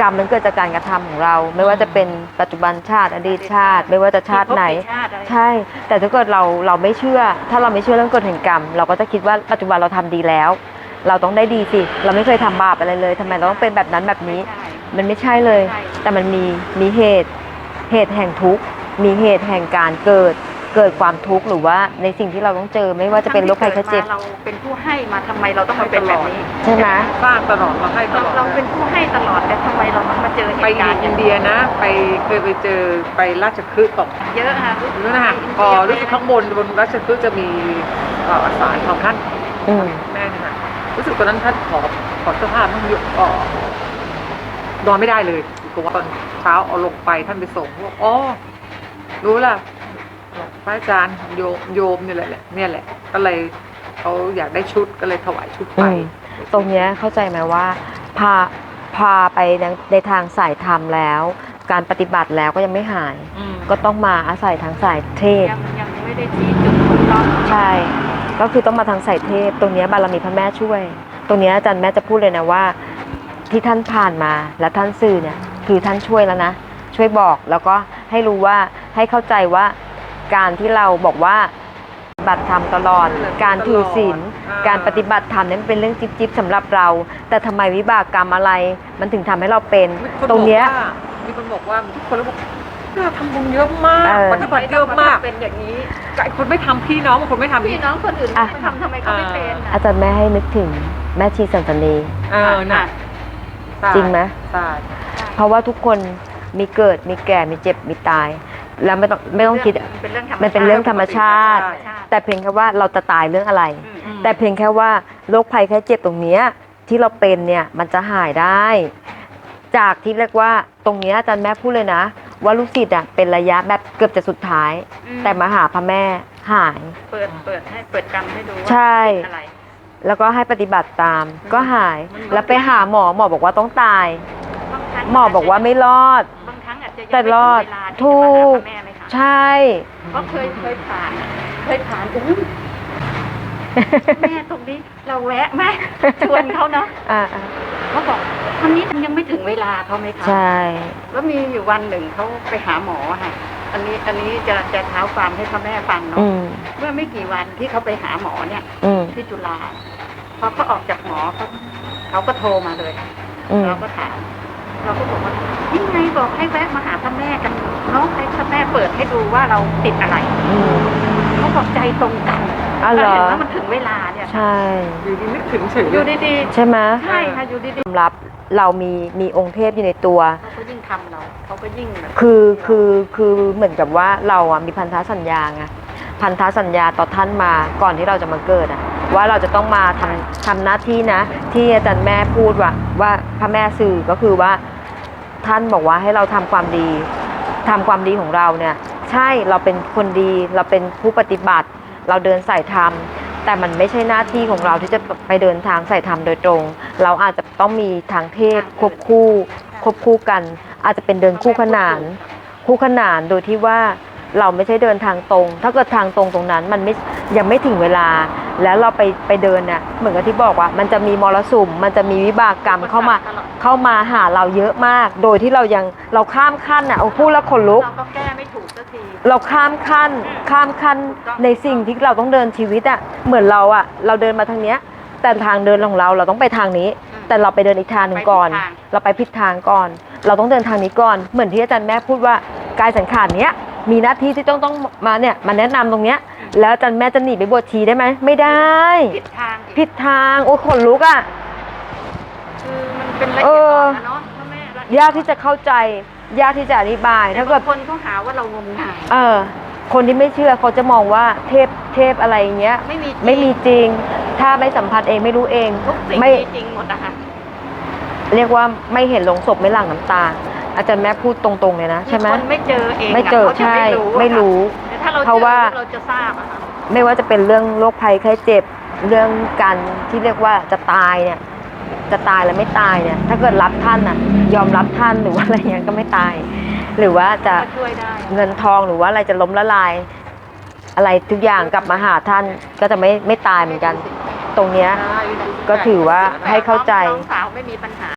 กรรมมันเกิดจากการกระทำของเรา ไม่ว่าจะเป็นปัจจุบันชาติอดีตชาติ ไม่ว่าจะชาติไหนใช่แต่ถ้าเกิดเราไม่เชื่อถ้าเราไม่เชื่อเรื่องกฎแห่งกรรมเราก็จะคิดว่าปัจจุบันเราทำดีแล้วเราต้องได้ดีสิเราไม่เคยทำบาปอะไรเลยทำไมเราต้องเป็นแบบนั้นแบบนี้มันไม่ใช่เลยแต่มันมีเหตุแห่งทุกข์มีเหตุแห่งการเกิดความทุกข์หรือว่าในสิ่งที่เราต้องเจอไม่ว่าจะเป็นโรคภัยไข้เจ็บเราเป็นผู้ให้มาทำไมเราต้องมาเป็นแบบนี้ใช่ไหมสร้างตลอดเราให้ตลอดเราเป็นผู้ให้ตลอดแต่ทำไมเราต้องมาเจอเหตุการณ์ไปอินเดียนะเคยไปเจอไปราชคฤห์ตกเยอะค่ะรู้นะคะพอรู้สึกข้างบนราชคฤห์จะมีศาลของท่านแม่เนี่ยรู้สึกตอนนั้นท่านขอเสื้อผ้าท่านยกนอนไม่ได้เลยกลัวตอนเช้าเอาลงไปท่านไปส่งว่าอ๋อรู้ล่ะพระอาจารย์โยมนี่แหละก็เลยเขาอยากได้ชุดก็เลยถวายชุดไปตรงนี้เข้าใจไหมว่าพาไปในทางสายธรรมแล้วการปฏิบัติแล้วก็ยังไม่หายก็ต้องมาอาศัยทางสายเทพยังไม่ได้ชี้จุดถูกต้องใช่ก็คือต้องมาทางสายเทพตรงนี้บารมีพระแม่ช่วยตรงนี้อาจารย์แม่จะพูดเลยนะว่าที่ท่านผ่านมาและท่านสื่อเนี่ยคือท่านช่วยแล้วนะช่วยบอกแล้วก็ให้รู้ว่าให้เข้าใจว่าการที่เราบอกว่าปฏิบัติธรรมตลอดการถือศีลการปฏิบัติธรรมนั้นเป็นเรื่องจิ๊บๆสำหรับเราแต่ทำไมวิบากกรรมอะไรมันถึงทำให้เราเป็นตรงเนี้ยมีคนบอกว่าทุกคนแล้วบอกเราทำบุญเยอะมากปฏิบัติเยอะมากเป็นอย่างนี้ไอ้คนไม่ทำพี่น้องคนไม่ทำพี่น้องคนอื่นไม่ทำทำไมเขาไม่เป็นอาจารย์แม่ให้นึกถึงแม่ชีสันสนีน่ะจริงไหมใช่เพราะว่าทุกคนมีเกิดมีแก่มีเจ็บมีตายแล้วไม่ต้องคิดมันเป็นเรื่องธรรมชาติแต่เพียงแค่ว่าเราจะตายเรื่องอะไรแต่เพียงแค่ว่าโรคภัยแค่เจ็บตรงนี้ที่เราเป็นเนี่ยมันจะหายได้จากที่เรียกว่าตรงนี้อาจารย์แม่พูดเลยนะว่าลูกศิษย์เป็นระยะแบบเกือบจะสุดท้ายแต่มาหาพระแม่หายเปิดกรรมให้ดูว่าใช่แล้วก็ให้ปฏิบัติตามก็หายแล้วไปหาหมอบอกว่าต้องตายหมอบอกว่าไม่รอดแต่รอดถูกใช่ก็เคยผ่านอุ้ยแม่ตรงนี้เราแวะไหมชวนเขาเนาะเขาบอกวันนี้ยังไม่ถึงเวลาเขาไหมคะใช่แล้วมีอยู่วันหนึ่งเขาไปหาหมอค่ะอันนี้จะเท้าความให้พ่อแม่ฟังเนาะเมื่อไม่กี่วันที่เขาไปหาหมอเนี่ยที่จุฬาพอเขาออกจากหมอเขาก็โทรมาเลยเราก็ถามเราก็บอกว่ายังไงบอกให้แวะมาหาพ่อแม่กันน้องให้พ่อแม่เปิดให้ดูว่าเราติดอะไรเขาบอกใจตรงกันเห็นว่ามันถึงเวลาเนี่ยใช่อยู่ดีนึกถึงเฉยอยู่ดีๆใช่ไหมใช่ค่ะอยู่ดีๆรับเรามีองค์เทพอยู่ในตัวเขาก็ยิ่งทำเขาก็ยิ่งแบบคือเหมือนกับว่าเรามีพันธสัญญาไงพันธสัญญาต่อท่านมาก่อนที่เราจะมาเกิดว่าเราจะต้องมาทำหน้าที่นะที่อาจารย์แม่พูดว่าพระแม่สื่อก็คือว่าท่านบอกว่าให้เราทำความดีของเราเนี่ยใช่เราเป็นคนดีเราเป็นผู้ปฏิบัติเราเดินสายธรรมแต่มันไม่ใช่หน้าที่ของเราที่จะไปเดินทางสายธรรมโดยตรงเราอาจจะต้องมีทางเทพควบคู่กันอาจจะเป็นเดินคู่ขนานโดยที่ว่าเราไม่ใช่เดินทางตรงถ้าเกิดทางตรงนั้นมันยังไม่ถึงเวลาแล้วเราไปเดินเนี่ยเหมือนกับที่บอกว่ามันจะมีมรสุมมันจะมีวิบากกรรมเข้ามาหาเราเยอะมากโดยที่เราข้ามขั้นพูดแล้วขนลุกเราก็แก้ไม่ถูกสักทีเราข้ามขั้นในสิ่งที่เราต้องเดินชีวิตเหมือนเราเดินมาทางเนี้ยแต่ทางเดินของเราต้องไปทางนี้แต่เราไปเดินอีกทางหนึ่งก่อนเราไปผิดทางก่อนเราต้องเดินทางนี้ก่อนเหมือนที่อาจารย์แม่พูดว่ากายสังขารเนี้ยมีหน้าที่ที่ต้องมาเนี่ยมาแนะนำตรงเนี้ยแล้วอาจารย์แม่จะหนีไปบวชชีได้ไหมไม่ได้ผิดทางโอ้ขนลุกคือมันเป็นละเอียดอ่อนนะเนาะพ่อแม่ยากที่จะเข้าใจยากที่จะอธิบายถ้าเกิดคนเขาหาว่าเรางมงายคนที่ไม่เชื่อเขาจะมองว่าเทพอะไรเงี้ยไม่มีจริงถ้าไม่สัมผัสเองไม่รู้เองไม่จริงหมดนะคะเรียกว่าไม่เห็นลงศพไม่หลั่งน้ำตาอาจารย์แม่พูดตรงๆเลยนะใช่ไหมคนไม่เจอเองไม่เจอใช่ไม่รู้เพราะว่าเราจะทราบไม่ว่าจะเป็นเรื่องโรคภัยไข้เจ็บเรื่องการที่เรียกว่าจะตายเนี่ยจะตายแล้วไม่ตายเนี่ยถ้าเกิดรับท่านยอมรับท่านหรือว่าอะไรเงี้ยก็ไม่ตายหรือว่าจะเงินทองหรือว่าอะไรจะล้มละลายอะไรทุกอย่างกลับมาหาท่านก็จะไม่ตายเหมือนกันตรงเนี้ยก็ถือว่าให้เข้าใจน้องสาวไม่มีปัญหา